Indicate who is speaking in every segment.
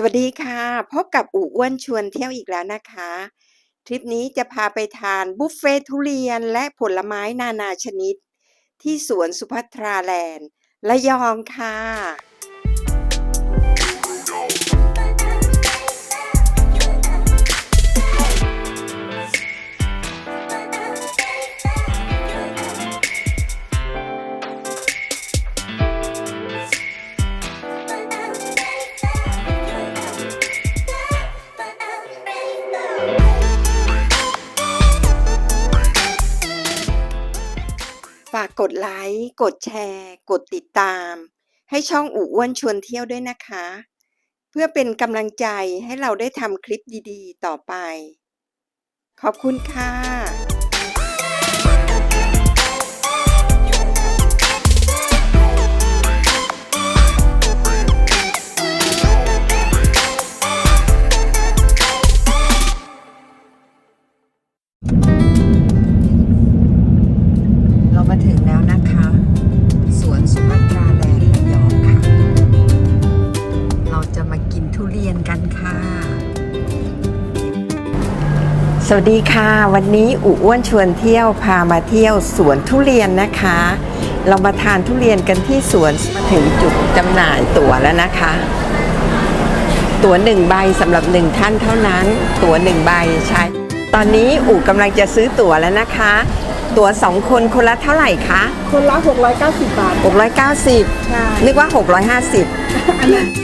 Speaker 1: วัสดีค่ะพบกับอู่อ้วนชวนเที่ยวอีกแล้วนะคะทริปนี้จะพาไปทานบุฟเฟ่ทุเรียนและผลไม้นานาชนิดที่สวนสุภัทราแลนด์ระยองค่ะฝากกดไลค์กดแชร์กดติดตามให้ช่องอู่อ้วนชวนเที่ยวด้วยนะคะเพื่อเป็นกำลังใจให้เราได้ทำคลิปดีๆต่อไปขอบคุณค่ะเรามาถึงแล้วนะคะสวนสุภัทราแลนด์ระยองค่ะเราจะมากินทุเรียนกันค่ะสวัสดีค่ะวันนี้อู่อ้วนชวนเที่ยวพามาเที่ยวสวนทุเรียนนะคะเรามาทานทุเรียนกันที่สวนมาถึงจุดจำหน่ายตั๋วแล้วนะคะตั๋ว1 ใบสำหรับ1ท่านเท่านั้นตั๋ว1 ใบใช่ตอนนี้อู่กำลังจะซื้อตั๋วแล้วนะคะตั๋ว2 คนคนละเท่าไหร่คะ
Speaker 2: คนละ690 บาท
Speaker 1: 690
Speaker 2: ใช่
Speaker 1: นึกว่า650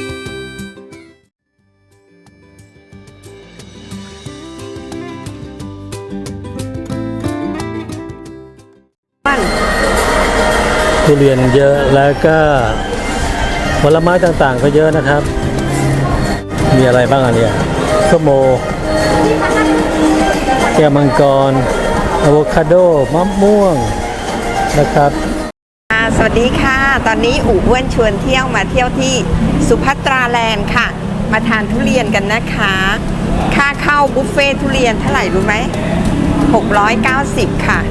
Speaker 3: ทุเรียนเยอะแล้วก็ผลไม้ต่างๆก็เยอะนะครับ มีอะไรบ้างอันเนี้ยส้มโอแก้วมังกรอะโวคาโดมะม่วงนะครับ
Speaker 1: สวัสดีค่ะตอนนี้อู่อ้วนชวนเที่ยวมาเที่ยวที่สุภัทราแลนด์ค่ะมาทานทุเรียนกันนะคะค่าเข้าบุฟเฟ่ทุเรียนเท่าไหร่รู้ไหม690ค่ะ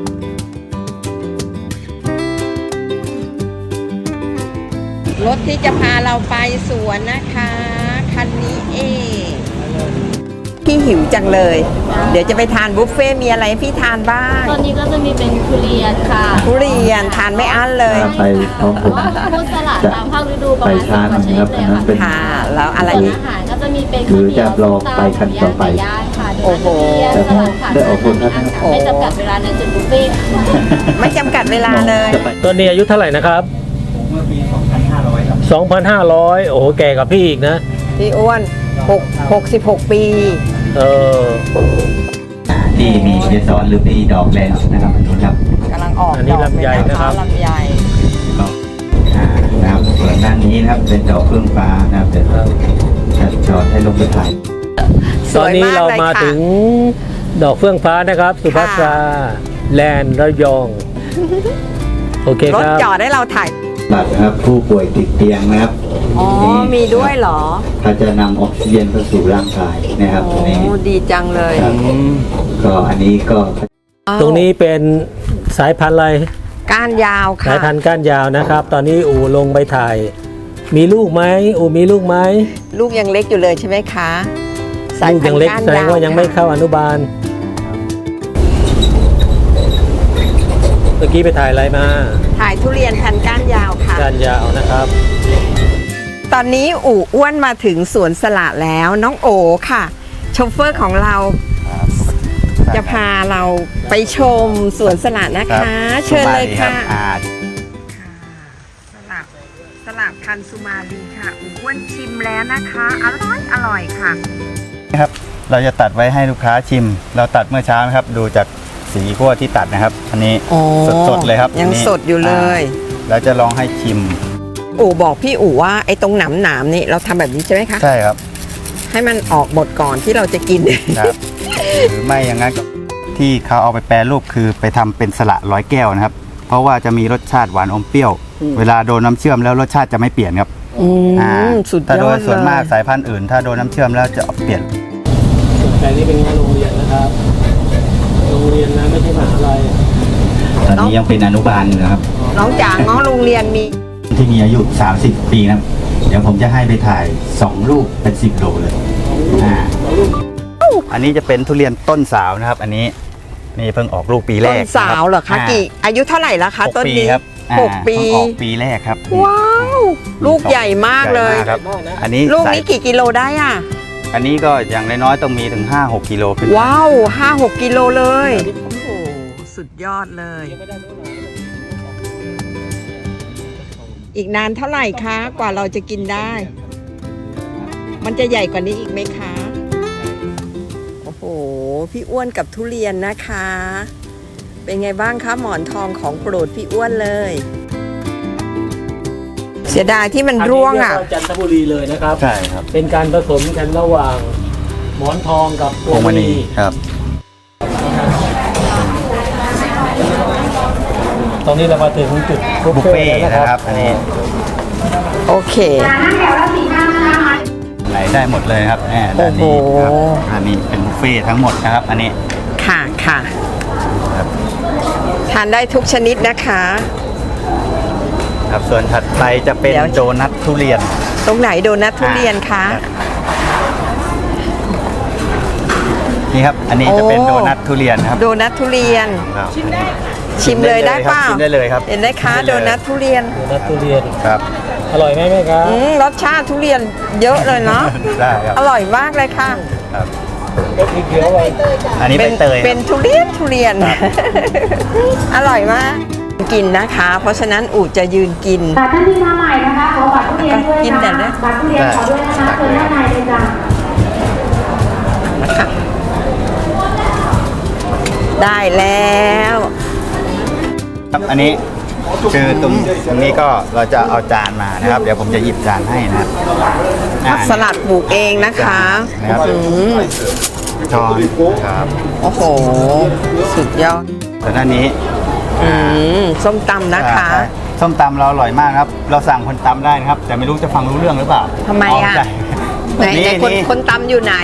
Speaker 1: รถที่จะพาเราไปสวนนะคะคันนี้เองพี่หิวจังเลยเดี๋ยวจะไปทานบุฟเฟ่มีอะไรให้พี่ทานบ้าง
Speaker 2: ตอนนี้ก็จะมีเป็นทุเรียนค่ะ
Speaker 1: ทุเรียนทานไม่อั้นเลย
Speaker 4: ไปพร้อมผม
Speaker 2: พุทธสลัดตามภาคฤดูประมาณ10 กว่าชนิดเลยค่ะ
Speaker 1: ค่ะแล้วอะไร
Speaker 2: ส่วน
Speaker 1: อีก
Speaker 2: อาหารก็จะมีเป็น
Speaker 4: หรือจะรอไปคันต่อไป
Speaker 2: ย่างค่ะ
Speaker 1: โอ้โห
Speaker 2: สลัดค่ะ
Speaker 4: ได้ออกคนครับ
Speaker 2: ไม่จำกัดเวลาในจุดบุฟเฟ่ต์
Speaker 1: ไม่จำกัดเวลาเลย
Speaker 3: ต้นนี้อายุเท่าไหร่นะครับ
Speaker 4: เมื่อปี 2500 ครับ
Speaker 3: 2,500โอ้โหแก่กับพี่อีกนะ
Speaker 1: พี่อ้วน66 ปี
Speaker 3: เออ
Speaker 4: ที่มีเกสรหรือปีดอกแลนด์นะครับทุกคนครับ
Speaker 1: กำลังออก
Speaker 3: อันนี้ลำไยนะครับ
Speaker 1: ลำไย
Speaker 4: นะครับส่วนด้านนี้นะครับเป็นดอกเฟื่องฟ้านะครับจะจอดให้ลงไปถ่าย
Speaker 3: ตอนนี้เรามาถึงดอกเฟื่องฟ้านะครับสุภัทราแลนด์ระยองโอเค
Speaker 1: ร
Speaker 3: ค
Speaker 1: ถ
Speaker 3: รับ
Speaker 1: จอดให้เราถ่าย
Speaker 4: บัตรนะครับผู้ป่วยติดเตียงนะครับ
Speaker 1: อ๋อมีด้วยเหรอ
Speaker 4: เขาจะนำออกซิเจนเข้าสู่ร่างกายนะครับ
Speaker 1: โอ้
Speaker 4: ตัวนี้
Speaker 1: ดีจังเลย
Speaker 4: ครับก็อันนี้ก็
Speaker 3: ตรงนี้เป็นสายพันธุ์อะไร
Speaker 1: ก้านยาวค่ะ
Speaker 3: สายพันธุ์ก้านยาวนะครับ ตอนนี้อูลงไปถ่าย มีลูกไหมอูมีลูกไหม
Speaker 1: ลูกยังเล็กอยู่เลยใช่ไหมคะสาย
Speaker 3: ลูก
Speaker 1: พัน
Speaker 3: ยัง
Speaker 1: ธุ์
Speaker 3: เล็ก
Speaker 1: ก้าน
Speaker 3: แสด
Speaker 1: ยาง ว
Speaker 3: ว่ายังไม่
Speaker 1: ค่ะ
Speaker 3: เข้าอนุบาล เมื่อกี้ไปถ่ายอะไรมา
Speaker 1: ถ่ายทุเรียนพันธุ์ก้านยาวค่ะ
Speaker 3: ก้านยาวนะครับ
Speaker 1: ตอนนี้อู่อ้วนมาถึงสวนสละแล้วน้องโอค่ะโชเฟอร์ของเราจะพาเราไปชมสวนสละนะคะ เชิญเลยค่ะสละพันธุ์สุมาลีค่ะอู่อ้วนชิมแล้วนะคะอร่อยค่ะ
Speaker 5: ครับเราจะตัดไว้ให้ลูกค้าชิม เราตัดเมื่อเช้านะครับดูจากสีขั้วที่ตัดนะครับ อันนี้
Speaker 1: อ๋อ
Speaker 5: สดๆเลยครับ
Speaker 1: ยัง
Speaker 5: อันนี้
Speaker 1: สดอยู่เลย
Speaker 5: เราจะลองให้ชิม
Speaker 1: อู่บอกพี่อู่ว่าไอ้ตรงหนามนี่เราทำแบบนี้ใช่ไหมคะ
Speaker 5: ใช่ครับ
Speaker 1: ให้มันออกหมดก่อนที่เราจะกิน
Speaker 5: ครับ หรือไม่อย่างนั้นก็ที่เขาเอาไปแปรรูปคือไปทำเป็นสละ100 แก้วนะครับ เพราะว่าจะมีรสชาติหวานอมเปรี้ยว เวลาโดนน้ำเชื่อมแล้วรสชาติจะไม่เปลี่ยนครับ
Speaker 1: สุดย
Speaker 5: ถ้าโด
Speaker 1: อย ด
Speaker 5: ส่วนมาก
Speaker 1: เลย
Speaker 5: สายพันธุ์อื่น ถ้าโดนน้ำเชื่อมแล้วจะเปลี่ยน
Speaker 3: แต่นี่เป็นโรงเรียนนะครับ โรงเรียนนะไม่ใช่มหาลัย
Speaker 4: ตอนนี้ยังเป็นอนุบาลอยู่นะครับ
Speaker 1: น้องจ๋าง้อโรงเรียนมี
Speaker 4: ที่มีอายุ30 ปีนะครับ
Speaker 5: เดี๋ยวผมจะให้ไปถ่าย2ลูกเป็น10 โลเลยอันนี้จะเป็นทุเรียนต้นสาวนะครับ อันนี้นี่เพิ่งออกลูกปีแร
Speaker 1: ต้
Speaker 5: ก
Speaker 1: นสาวเหรอคะกี่อายุเท่าไหร่ละคะ
Speaker 5: 6
Speaker 1: ต้น
Speaker 5: ปี
Speaker 1: นี้
Speaker 5: ครับ
Speaker 1: 6 ปี
Speaker 5: เพิ่งออกปีแรกครับ
Speaker 1: ว้าว ลูกใหญ่มากเลย
Speaker 5: ใหญ่มครับ อันนี้
Speaker 1: ลูกนี้กี่กิโลได้อ่ะ
Speaker 5: อันนี้ก็อย่างน้อยๆต้องมีถึง 5-6 กิโลขึ้น
Speaker 1: ว้าว 5-6 กิโลเลย โอ้โห สุดยอดเลย อีกนานเท่าไหร่คะกว่าเราจะกินได้ มันจะใหญ่กว่านี้อีกไหมคะ โอ้โห พี่อ้วนกับทุเรียนนะคะ เป็นไงบ้างคะหมอนทองของโปรดพี่อ้วนเลย เสียดายที่มันร่วงอ่ะ
Speaker 3: นนี้เรียกว่าจันทบุรีเลยนะครับ
Speaker 5: ใช่ครับ
Speaker 3: เป็นการผสมกันระหว่างหมอนทองกับพวงมณี
Speaker 5: ครับ
Speaker 3: ตอนนี้เรามาถึงจุด
Speaker 5: บุฟเฟ่ต์
Speaker 3: แล้ว
Speaker 5: นะครับ อันนี้
Speaker 1: โอเค
Speaker 5: ไหนได้หมดเลยครับด้านนี้ครับ
Speaker 1: โอ้โห
Speaker 5: อันนี้เป็นบุฟเฟ่ต์ทั้งหมดนะครับ อันนี้
Speaker 1: ค่ะค่ะ
Speaker 5: ครับ
Speaker 1: ทานได้ทุกชนิดนะคะ
Speaker 5: ครับส่วนถัดไปจะเป็น
Speaker 1: เดี๋ยว
Speaker 5: โดนัททุเรียน
Speaker 1: ตรงไหนโดนัททุเรียนคะ
Speaker 5: นี่ครับ อันนี้จะเป็น
Speaker 1: โอ้
Speaker 5: โดนัททุเรียนครับ
Speaker 1: โดนัททุเรียน
Speaker 5: ครับ
Speaker 1: ชิมเลยได้เปล่า
Speaker 5: ชิมได้เลยครับ
Speaker 1: เห็นได้คะ
Speaker 5: ชิม
Speaker 1: โด
Speaker 5: ได้เลย
Speaker 1: นัททุเรียน
Speaker 3: โดนัททุเรียน
Speaker 5: ครับ
Speaker 3: อร่อยไหมแม่ครับ
Speaker 1: รสชาติทุเรียนเยอะเลยเนาะ
Speaker 5: ได้ครับ
Speaker 1: อร่อยมากเลยค่ะ
Speaker 5: ครับ
Speaker 3: เป็นสีเขียวไว้
Speaker 5: อันนี้ใบเตย
Speaker 1: เป็นทุเรียน อร่อยมากกินนะคะ เพราะฉะนั้นอูจะยืนกิน
Speaker 6: บัตรท่านที่มาใหม่นะคะ ขอบัตรทุเรียนด้วย
Speaker 1: กินแต่เลือ
Speaker 6: นะ
Speaker 1: ด
Speaker 6: บัตรทุเรียนขอด้วยนะคะเชิญด้านในเลยจ้ะ
Speaker 1: นะคะได้แล้ว
Speaker 5: ครับอันนี้คือตรงนี้ก็เราจะเอาจานมานะครับ เดี๋ยวผมจะหยิบจานให้นะครับอ่า
Speaker 1: สลัดปลูกเองนะคะ
Speaker 5: นะครับ
Speaker 1: อืม
Speaker 5: ช้อนครับ
Speaker 1: โอ้โห สุดยอด
Speaker 5: ส่วนด้านนี้
Speaker 1: ส้มตำนะคะ
Speaker 5: ใช่ส้มตำเราอร่อยมากครับ เราสั่งคนตำได้นะครับ แต่ไม่รู้จะฟังรู้เรื่องหรือเปล่า
Speaker 1: ทำไมอ่ะ
Speaker 5: ใช่
Speaker 1: ไหน
Speaker 5: นี่
Speaker 1: ไหนคนตำอยู่ไหน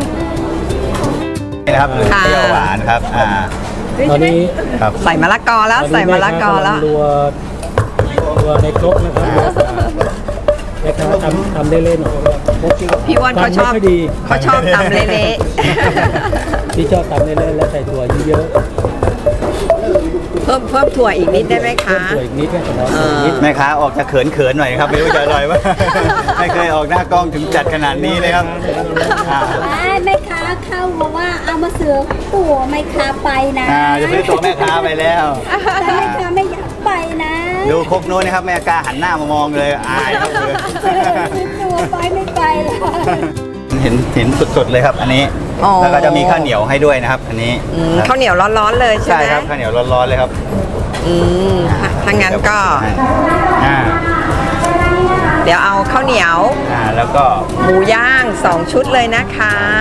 Speaker 5: นี่นะครับเปรี้ยวหวานครับ
Speaker 3: ตอนนี้
Speaker 5: ครับ
Speaker 1: ใส่มะละกอแล้วใส่มะละกอแล้ว
Speaker 3: รัวในครกนะครับแม่ค้าทำได้เล่นหน่อย
Speaker 1: พี่อ้วนเขาชอบ
Speaker 3: ไม่ค่อยดี
Speaker 1: เขาชอบตำเละ
Speaker 3: ที่ชอบทำได้เล่นแล้วใส่ถั่วเยอะ
Speaker 1: ๆเพิ่มถั่วอีกนิดได้ไหม
Speaker 3: ๆเพิ่
Speaker 1: คะ
Speaker 3: มถั่วอีกนิดแค่ขอ
Speaker 1: เออ
Speaker 3: นิด
Speaker 5: แม่ค้าออกจะเขินๆหน่อยครับไม่รู้จะอร่อยว่า ไม่เคยออกหน้ากล้องถึงจัดขนาดนี้เลยครับอ่า
Speaker 6: แม่ค้าเข้าบอกว่าเอามาเสือตัวแม่ค้าไปนะ
Speaker 5: จะซื้อตัวแม่ค้าไปแล้ว
Speaker 6: แต่แม่ค้าไม่อยากไปนะ
Speaker 5: ดูครกนู้นนะครับแม่กล้าหันหน้ามามองเลยอายครับเลย
Speaker 6: ซื้อตัวไปไม่ไปเลย
Speaker 5: เห็นสดๆเลยครับ อันนี้
Speaker 1: อ๋อ
Speaker 5: แล้วก็จะมีข้าวเหนียวให้ด้วยนะครับ อันนี้ ครับ
Speaker 1: ข้าวเหนียวร้อนๆเลยใช่
Speaker 5: ใช่
Speaker 1: ไหม
Speaker 5: ครับข้าวเหนียวร้อนๆเลยครับ
Speaker 1: ถ้างั้นก็
Speaker 5: อ่า
Speaker 1: เดี๋ยวเอาข้าวเหนียว
Speaker 5: แล้วก็
Speaker 1: หมูย่าง 2 ชุดเลยนะคะ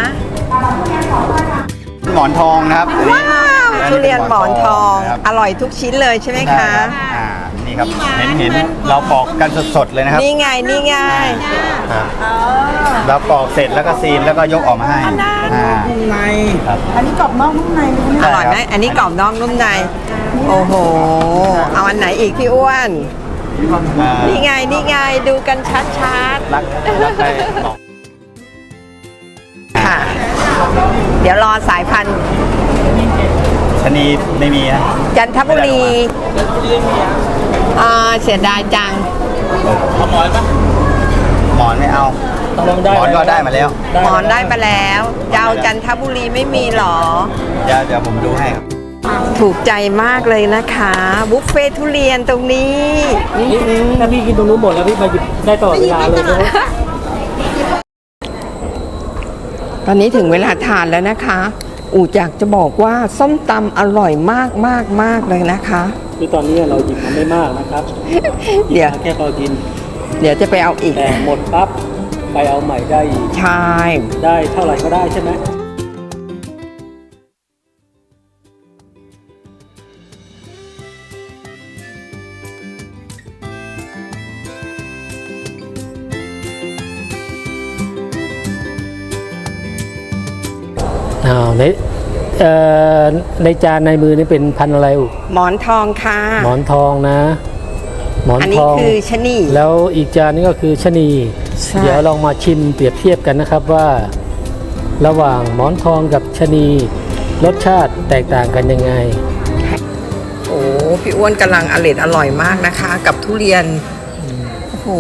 Speaker 5: หมอนทองนะครับอันนี้
Speaker 1: ว้าวทุเรียนหมอนทอง
Speaker 5: นะครับ
Speaker 1: อร่อยทุกชิ้นเลยใช่ไหม
Speaker 5: ใช่
Speaker 1: คะ
Speaker 5: รับนี่ครับเห็นเราปอกกันสดๆเลยนะครับ
Speaker 1: นี่ไงนี่ไง
Speaker 5: ครับเราปอกเสร็จแล้วก็ซีนแล้วก็ยกออกมาให้ครับ
Speaker 1: อร่อยไหมอันนี้กรอบนอกนุ่มใน โอ้โห เอาอันไหนอีกพี่อ้วน นี่ไงนี่ไงดูกันชัด
Speaker 5: รักไปบอก
Speaker 1: ๆค่ะ เดี๋ยวรอสายพันธุ์
Speaker 5: ชะนีไม่มีนะ
Speaker 1: จันทบุรีเสียดายจัง
Speaker 5: หมอนไม่เอา
Speaker 3: ต้องลองได้
Speaker 5: หมอนก็ได้มาแล้ว
Speaker 1: หมอนได้มาแล้วเจ้าจันทบุรีไม่มีหรอ
Speaker 5: เดี๋ยวผมดูให้ครับ
Speaker 1: ถูกใจมากเลยนะคะ บุฟเฟ่ทุเรียนตรงนี้
Speaker 3: ถ้าพี่กินตรงนู้นหมดแล้วพี่มาหยิบได้ตลอดเวลาเลยนะ
Speaker 1: ตอนนี้ถึงเวลาทานแล้วนะคะ อูอยากจะบอกว่าส้มตำอร่อยมากมากมากเลยนะคะ
Speaker 3: คือตอนนี้เราหยิบมันไม่มากนะครับ
Speaker 1: เดี๋ยว
Speaker 3: แค่พอกิน
Speaker 1: เดี๋ยวจะไปเอาอีก
Speaker 3: แต่หมดปั๊บไปเอาใหม่ได้อีก
Speaker 1: ใช่
Speaker 3: ได้เท่าไหร่ก็ได้ใช่ไหม ในในจานในมือนี่เป็นพันธุ์อะไรอุ
Speaker 1: หมอนทองค่ะ
Speaker 3: หมอนทองนะหมอน
Speaker 1: อัน
Speaker 3: ท
Speaker 1: นี้
Speaker 3: อง
Speaker 1: คือชะนี
Speaker 3: แล้วอีกจานนี้ก็คือชะนี
Speaker 1: ใช่
Speaker 3: เดี๋ยวลองมาชิมเปรียบเทียบกันนะครับว่า ระหว่างหมอนทองกับชะนีรสชาติแตกต่างกันยังไง
Speaker 1: โอ้พี่อ้วนกำลังอร่อยมากนะคะ กับทุเรียนโอ้โห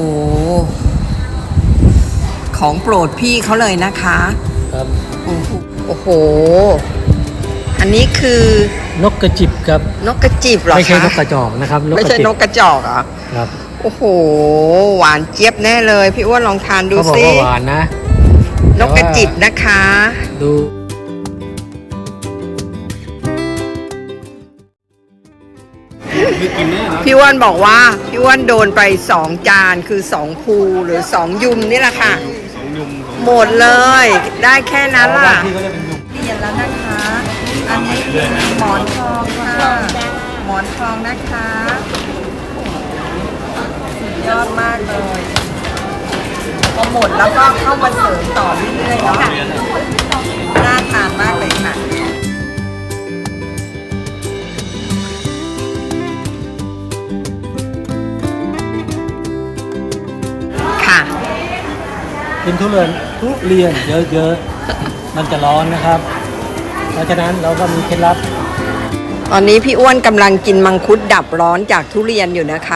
Speaker 1: ของโปรดพี่เขาเลยนะคะ
Speaker 3: ครับ
Speaker 1: โอ้โหอันนี้คือน
Speaker 3: กกระจิบครับ
Speaker 1: นกกระจิบเหรอคะ
Speaker 3: ไม่ใช่นกกระจอกนะครับ
Speaker 1: ไม่ใช่
Speaker 3: จิบ
Speaker 1: นกกระจอกเหรอ
Speaker 3: ครับ
Speaker 1: โอ้โหหวานเจี๊ยบแน่เลย พี่อ้วนลองทานดู
Speaker 3: เขาบอก
Speaker 1: สิ
Speaker 3: ว่าหวานนะ
Speaker 1: นกกระจิบนะคะ
Speaker 3: ดู
Speaker 1: พี่อ้วนบอกว่าพี่อ้วนโดนไป2 จานคือ2ภูหรือ2 ยุมนี่แหละค่ะหมดเลย ได้แค่นั้นล่ะเรียนแล้วนะคะ อันนี้คือหมอนทองค่ะหมอนทองนะคะสุดยอดมากเลยพอหมดแล้วก็เข้ามาเสริมต่อเรื่อยๆเนาะน่าทานมากเลยค่ะค่ะ
Speaker 3: กินทุเรียนเยอะๆมันจะร้อนนะครับ เพราะฉะนั้นเราก็มีเคล็ดลับ
Speaker 1: ตอนนี้พี่อ้วนกำลังกินมังคุดดับร้อนจากทุเรียนอยู่นะคะ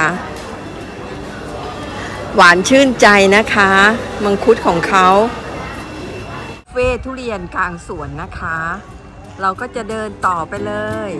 Speaker 1: หวานชื่นใจนะคะ มังคุดของเขาเฟ่ทุเรียนกลางสวนนะคะ เราก็จะเดินต่อไปเลย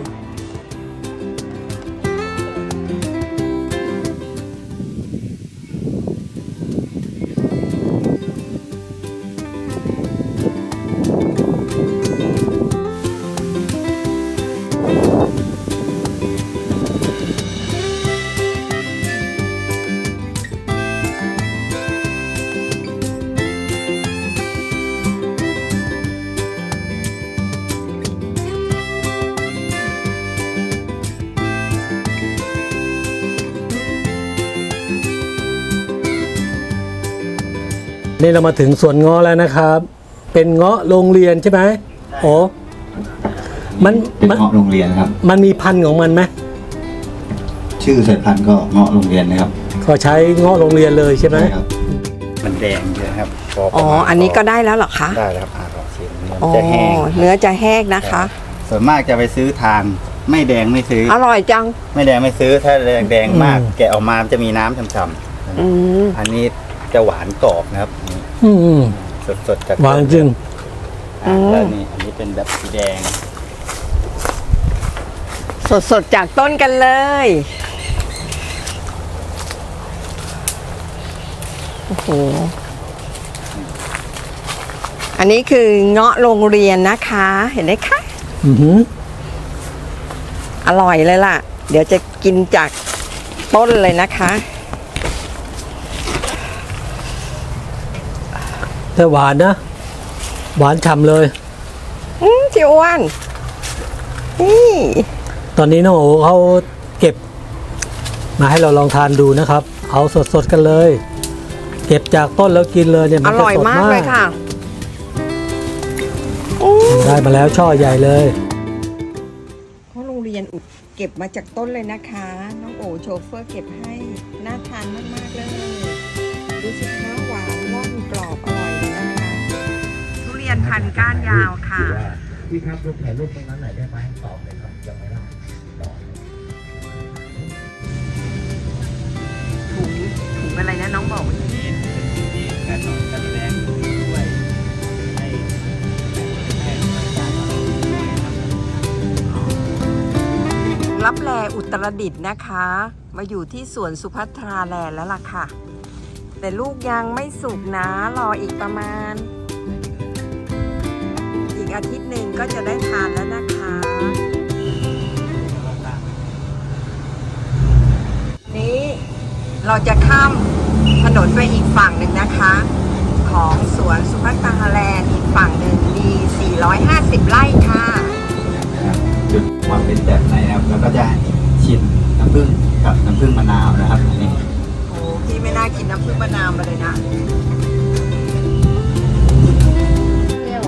Speaker 3: นี่เรามาถึงสวนเงาะแล้วนะครับ เป็นเงาะโรงเรียนใช่ไหมโอ้มัน
Speaker 4: เป็นเงาะโรงเรียนครับ
Speaker 3: มันมีพันธุ์ของมันไหม
Speaker 4: ชื่อสายพันธุ์ก็เงาะโรงเรียนนะครับ
Speaker 3: ก็ใช้เงาะโรงเรียนเลยใช่ไหม
Speaker 4: ใช่ครับ
Speaker 5: มันแดงเยอะครับพประ
Speaker 1: อ๋อ
Speaker 5: มาณ
Speaker 1: อันนี้ก็ได้แล้วเหรอคะ
Speaker 5: ได้แล้วครับลองชิม
Speaker 1: อ๋อ
Speaker 5: จะแห้ง
Speaker 1: เนื้อจะแห้งนะคะ
Speaker 5: ส่วนมากจะไปซื้อทานไม่แดงไม่ซื้อ
Speaker 1: อร่อยจัง
Speaker 5: ไม่แดงไม่ซื้อถ้าแดงมาก แกะออกมามันจะมีน้ำช่ำ
Speaker 1: อืม
Speaker 5: ๆอันนี้จะหวานกรอบนะครับ
Speaker 3: อืม
Speaker 5: สดๆจาก
Speaker 3: หวานจริง
Speaker 5: แล้วนี่อันนี้เป็นแบบสีแดง
Speaker 1: สดๆจากต้นกันเลย โอ้โห อันนี้คือเงาะโรงเรียนนะคะ เห็นไหมคะ
Speaker 3: อือหือ
Speaker 1: อร่อยเลยล่ะ เดี๋ยวจะกินจากต้นเลยนะคะ
Speaker 3: แต่หวานนะ หวานฉ่ำเลย
Speaker 1: พี่อ้วนนี่
Speaker 3: ตอนนี้น้องโอเขาเก็บ มาให้เราลองทานดูนะครับ เอาสดๆกันเลย เก็บจากต้นแล้วกินเลยเนี่ย
Speaker 1: อ
Speaker 3: มันจะ
Speaker 1: ร่อย
Speaker 3: สด
Speaker 1: มากเลยค่ะ
Speaker 3: ได้มาแล้วช่อใหญ่เลย
Speaker 1: เพราะโรงเรียนอุดเก็บมาจากต้นเลยนะคะ น้องโอโชเฟอร์เก็บให้ น่าทานมากๆเลย ดูสิคะหวานร่อนกรอบอร่อยเลยนะคะ ทุเรียนพันธุ์ก้านยาวค่ะ
Speaker 7: พี่ครับรูปถ่ายรูปตรงนั้นหน่อยได้ไหมตอบเลยครับยังไม่ได้ตอบ
Speaker 1: ถุงอะไรนะน้องบอก รับแลอุตรดิตถ์นะคะ มาอยู่ที่สวนสุภัทราแลนด์แล้วล่ะค่ะ แต่ลูกยังไม่สุกนะ รออีกประมาณ อีกอาทิตย์หนึ่งก็จะได้ทานแล้วนะคะ นี้เราจะข้ามถนนไปอีกฝั่งหนึ่งนะคะ ของสวนสุภัทราแลนด์อีกฝั่งหนึ่งมี 450 ไร่ค่ะ
Speaker 4: จุดความเป็นแบบไหนนะครับ แล้วก็จะชิมน้ำผึ้งกับน้ำผึ้งมะนาวนะครับอันนี้
Speaker 1: โอ้พี่ไม่น่ากินน้ำผึ้งมะนาวมาเลยนะ
Speaker 2: เปรี้ยว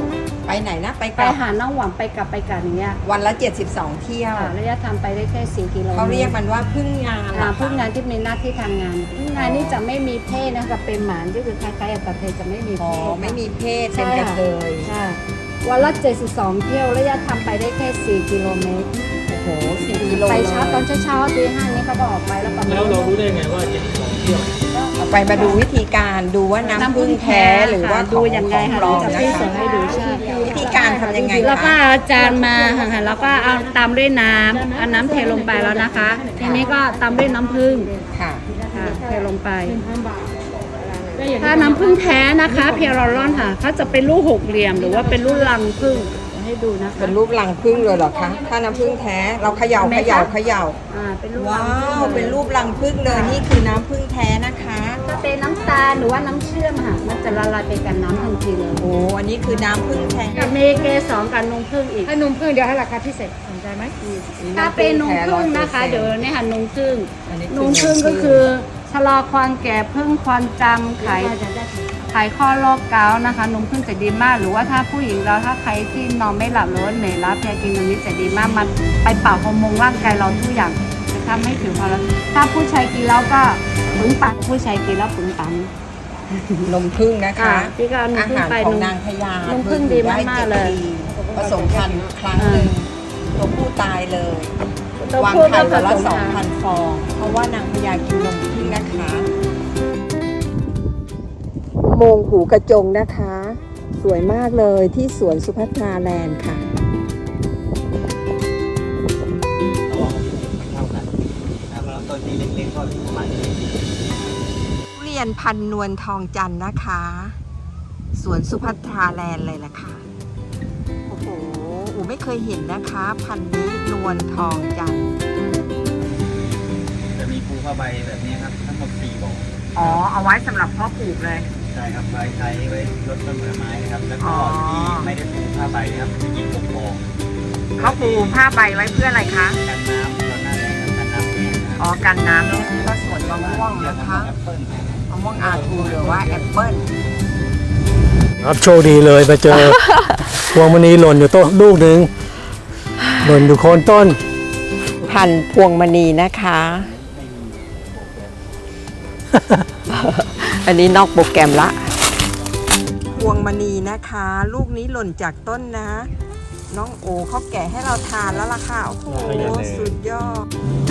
Speaker 1: ไปไหนนะไปก
Speaker 6: ไป
Speaker 1: ลับ
Speaker 6: หาน้องหวังไปกลับอย่างเงี้ย
Speaker 1: วันละ 72 เที่ยว
Speaker 6: ค่ะระยะทางไปได้แค่4 กิโล
Speaker 1: เขาเรียกมันว่าพึ่งงานเหรอคะ
Speaker 6: พึ่งงานที่มีหน้าที่ทำงานพึ่งงานนี่จะไม่มีเพศนะคะเป็นหมานก็คือคล้ายๆกับกระเทยจะไม่มี
Speaker 1: อ๋
Speaker 6: เพ
Speaker 1: อ
Speaker 6: ศ
Speaker 1: ไม่มีเพศเป็นกระเทย
Speaker 6: ค่ะวันละ72 เที่ยวระยะทางไปได้แค่4 กิโลเมตร
Speaker 1: โอ้โห4 กิโล
Speaker 6: ไปเช้าตอนเช้าตี 5นี้เขาก็ออกไปแล้วประมาณ
Speaker 3: แล้วเรารู้ได้ไงว่า72เที่ยว
Speaker 1: เอาไปมาดูวิธีการดูว่าน้ำพึ่งแท้หรือว่า
Speaker 6: ดูยังไง
Speaker 1: ข
Speaker 6: ค่ะ
Speaker 1: ปลอม
Speaker 6: จะ
Speaker 1: นะ
Speaker 6: พี่
Speaker 1: คะ
Speaker 6: ส่งให้ดูใช่
Speaker 1: วิธีการทำยังไง
Speaker 6: แล้วก็
Speaker 1: คะ
Speaker 6: เอาจานมาค่ะแล้วก็เอาตามด้วยน้ำเอาน้ำเทลงไปแล้วนะคะ ทีนี้ก็ตามด้วยน้ำผึ้ง
Speaker 1: ค่ะ
Speaker 6: ค่ะเทลงไป ถ้าน้ำผึ้งแท้นะคะเพียรลอนค่ะเขาจะเป็นลูกหกเหลี่ยมหรือว่าเป็นลูกรังผึ้งเดี๋ยวให้ดูนะคะ
Speaker 1: เป็นรูปรังพึ่งเลยเหรอคะถ้าน้ำพึ่งแท้เราเขย่า
Speaker 6: เป็นลูก
Speaker 1: ว้า
Speaker 6: รังผึ้
Speaker 1: ว
Speaker 6: ง
Speaker 1: เป็นรูปรังพึ่งเลยนี่คือน้ำพึ่งแท้นะคะ
Speaker 6: ถ้าเป็นน้ำตาลหรือว่าน้ำเชื่อมค่ะมันจะละลายไปกับน้ำทันทีเลย
Speaker 1: โอ้อันนี้คือน้ำพึ่งแท้
Speaker 6: กับเมเกสองกับนมผึ้งอีก
Speaker 8: ถ้านมผึ้งเดี๋ยวให้ราคาพิเศษสนใจไหม
Speaker 6: ถ้าเป็นนมผึ้งนะคะเดี๋ยวเนี่ยค่ะนมผึ้ง
Speaker 1: อันนี้
Speaker 6: นมผึ้งก็คือชะลอความแก่พึ่งความจำไขข้อโรคเกาต์นะคะนมผึ้งจะดีมากหรือว่าถ้าผู้หญิงเราถ้าใครที่นอนไม่หลับหรือว่าเหนื่อยล้าเพลียกินตรงนี้จะดีมากมันไปปรับฮอร์โมนร่างกายเราทุกอย่างจะทำให้ผิวพรรณถ้าผู้ชายกินแล้วก็ปึงปังผู้ชายกินแล้วปึงปัง
Speaker 1: นมพึ่งนะคะ
Speaker 6: พี่ก็เอานม
Speaker 1: อา
Speaker 6: ผึ้ง
Speaker 1: หาร
Speaker 6: ไป
Speaker 1: ของนางพญาน
Speaker 6: มผึ้งดีมากๆเลย
Speaker 1: ผสมพันธุ์ครั้งหนึ่งตัวผู้ตายเลย
Speaker 6: ตัว
Speaker 1: วาง
Speaker 6: ผู้
Speaker 1: ไข่
Speaker 6: ก็
Speaker 1: วันละ
Speaker 6: ผสมพันธุ์
Speaker 1: 2,000 ฟอง เพราะว่านางพญากินนมพึ่งนะคะอุโมงค์หูกระจงนะคะ สวยมากเลยที่สวนสุภัทราแลนด์ค่ะ
Speaker 4: เท่ากันนะครับต้นที่เล็กๆก็ประมาณนี้
Speaker 1: ทุเรียนพันนวลทองจันทร์นะคะ สวนสุภัทราแลนด์เลยล่ะค่ะ โอ้โหอูไม่เคยเห็นนะคะ พันนี้นวลทองจันทร์
Speaker 4: จะมีภูผ้าใบแบบนี้ครับทั้งหมด4บ่อ
Speaker 1: อ๋อ เอาไว้สำหรับเพาะปลูกเลย
Speaker 4: ใช่ครับไว้ใช้ไว้ลดต้นผลไม้นะครับ แล้วก็
Speaker 1: อ๋อ
Speaker 4: ที่ไม่ได้ปูผ้าใบนะครับจะยิง6บ่อ
Speaker 1: เขาปูผ้าใบไว้เพื่ออะไรคะ
Speaker 4: กันน้ำตอนหน้าแรงครับกันน้ำแห้งนะครับ
Speaker 1: อ๋อ กันน้ำนี่ก็สวนมะม่วงนะคะ
Speaker 4: แอปเปิ้ล
Speaker 1: มะม่วงอาทูหรือว่าแอปเปิ้ล
Speaker 3: ครับโชคดีเลยไปเจอ พวงมณีหล่นอยู่ต้นลูกหนึ่งหล่นอยู่โคนต้น
Speaker 1: พันพวงมณีนะคะ อันนี้นอกโปรแกรมละ พวงมณีนะคะ ลูกนี้หล่นจากต้นนะ น้องโอเขาแกะให้เราทานแล้วล่ะค่ะ โอ้โห สุดยอด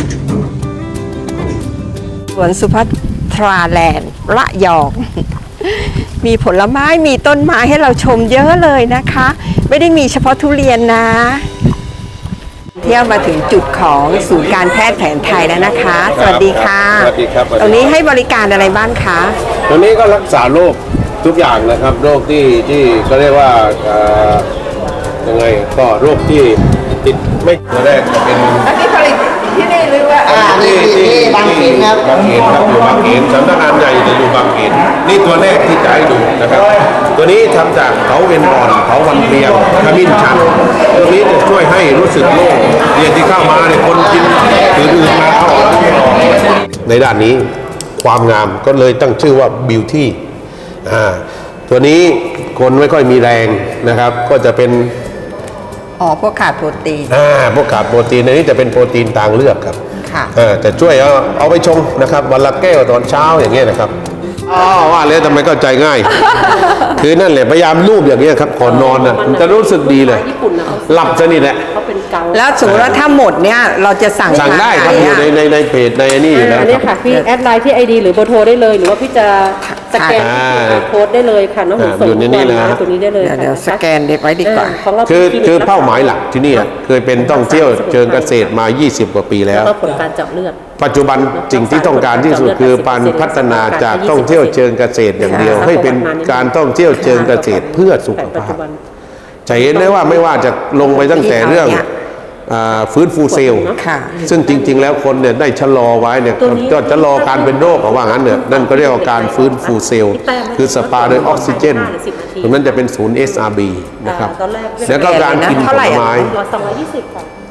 Speaker 1: สวนสุภัทราแลนด์ระยอง มีผลไม้มีต้นไม้ให้เราชมเยอะเลยนะคะ ไม่ได้มีเฉพาะทุเรียนนะ เที่ยวมาถึงจุดของศูนย์การแพทย์แผนไทยแล้วนะคะ สวัสดีค่ะ
Speaker 9: สวัสดีครับ
Speaker 1: ตรงนี้ให้บริการอะไรบ้างคะ
Speaker 9: ตรงนี้ก็รักษาโรคทุกอย่างนะครับ โรคที่ก็เรียกว่ายังไงก็โรคที่ติดไม่ตัวแรกจะเป็น
Speaker 1: อันนี้ผลิตที่นี่หรือว่า
Speaker 9: ที่บางเขนครับบางเขนครับอยู่บางเขนสำนักงานใหญ่อยู่บางเขนนี่ตัวแรกที่จะให้ดูนะครับ ตัวนี้ทำจากเขาเอ็นอ่อนเขาวันเรียงขมิ้นชันตัวนี้จะช่วยให้รู้สึกโล่งเรียนที่เข้ามาเนี่ยคนกินอื่นๆมาเอาในด้านนี้ความงามก็เลยตั้งชื่อว่า beauty ตัวนี้คนไม่ค่อยมีแรงนะครับ ก็จะเป็น
Speaker 1: อ๋อ พวกขาดโปรตีน
Speaker 9: พวกขาดโปรตีนในนี้จะเป็นโปรตีนทางเลือกครับ
Speaker 1: ค่ะ
Speaker 9: แต่ช่วยเอาไปชงนะครับวันละแก้วตอนเช้าอย่างเงี้ยนะครับว่าเลยทำไมเข้าใจง่าย คือนั่นแหละพยายามรูปอย่างเงี้ยครับก่อนนอนนะมันจะรู้สึกดีเลยหลับสนิทแหละ
Speaker 1: แล้วสมมติว่าถ้าหมดเนี่ยเราจะสั่ง
Speaker 9: สั่งได้ครับ
Speaker 1: ทาง
Speaker 9: อยู่
Speaker 1: หน
Speaker 9: ในเพจในนี่อยู่แล้ว
Speaker 8: อันนี้
Speaker 9: ครั
Speaker 8: ค่ะ
Speaker 9: บ
Speaker 8: พี่แอดไลน์ที่ ID หรือเบอร์โทรได้เลย หรือว่าพี่จะสแกน โค้ดได้เลยค่ะน้องหนูส่ง
Speaker 9: อยู่ในนี้นะ
Speaker 8: ตัวนี้ได้เลย
Speaker 1: เดี๋ยวสแกนเด็กไว้ดีกว่า
Speaker 8: ของเรา
Speaker 9: คือเป้าหมายหลักที่นี่เคยเป็นท่องเที่ยวเชิงเกษตรมา 20 กว่าปีแล้ว
Speaker 8: แล้วก็ผลการเจาะเลือด
Speaker 9: ปัจจุบันสิ่งที่ต้องการที่สุดคือการพัฒนาจากท่องเที่ยวเชิงเกษตรอย่างเดียว ให้เป็นการท่องเที่ยวเชิงเกษตรเพื่อสุข
Speaker 8: ปัจ
Speaker 9: ภา
Speaker 8: จุ
Speaker 9: พ
Speaker 8: บัน
Speaker 9: จะเห็นได้ว่าไม่ว่าจะลงไปตั้งแต่เรื่องฟื้นฟูเซลล์
Speaker 1: ค่ะ
Speaker 9: ซึ่งจริง ๆ แล้วคนเนี่ยได้ชะลอไว้เนี่ยก็ชะลอการเป็นโรคเอาว่างั้นเนี่ยนั่นก็เรียกว่าการฟื้นฟูเซลล์คือสปาด้วยออกซิเจนตรงนั้นจะเป็นศูนย์ SRB นะครับ
Speaker 8: ตอนแรก
Speaker 9: แล้วก็การกินผลไม้
Speaker 8: 220ค่ะ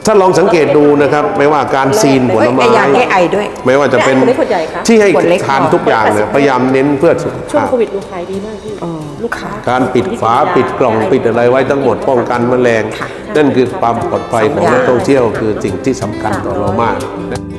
Speaker 9: ถ้าลองสังเกตดูนะครับไม่ว่าการซีนผลไม้
Speaker 1: แก้ยาแก้ไอด้วย
Speaker 9: ไม่ว่าจะเป็น
Speaker 8: ขวดเล็กขวดใหญ่คะ
Speaker 9: ที่ให้
Speaker 1: ขวดเล็ก
Speaker 9: ทานทุกอย่างเนี่ยพยายามเน้นเพื่อสุข
Speaker 8: ช่วง
Speaker 9: ภาพ
Speaker 8: โควิดดูขายดีมากพี่ลูกค้า
Speaker 9: การปิดฝาปิดกล่องปิดอะไรไว้ทั้งหมดป้องกันแมลงนั่นคือความปลอดภัยของนักท่องเที่ยวคือสิ่งที่สำคัญต่อเรามาก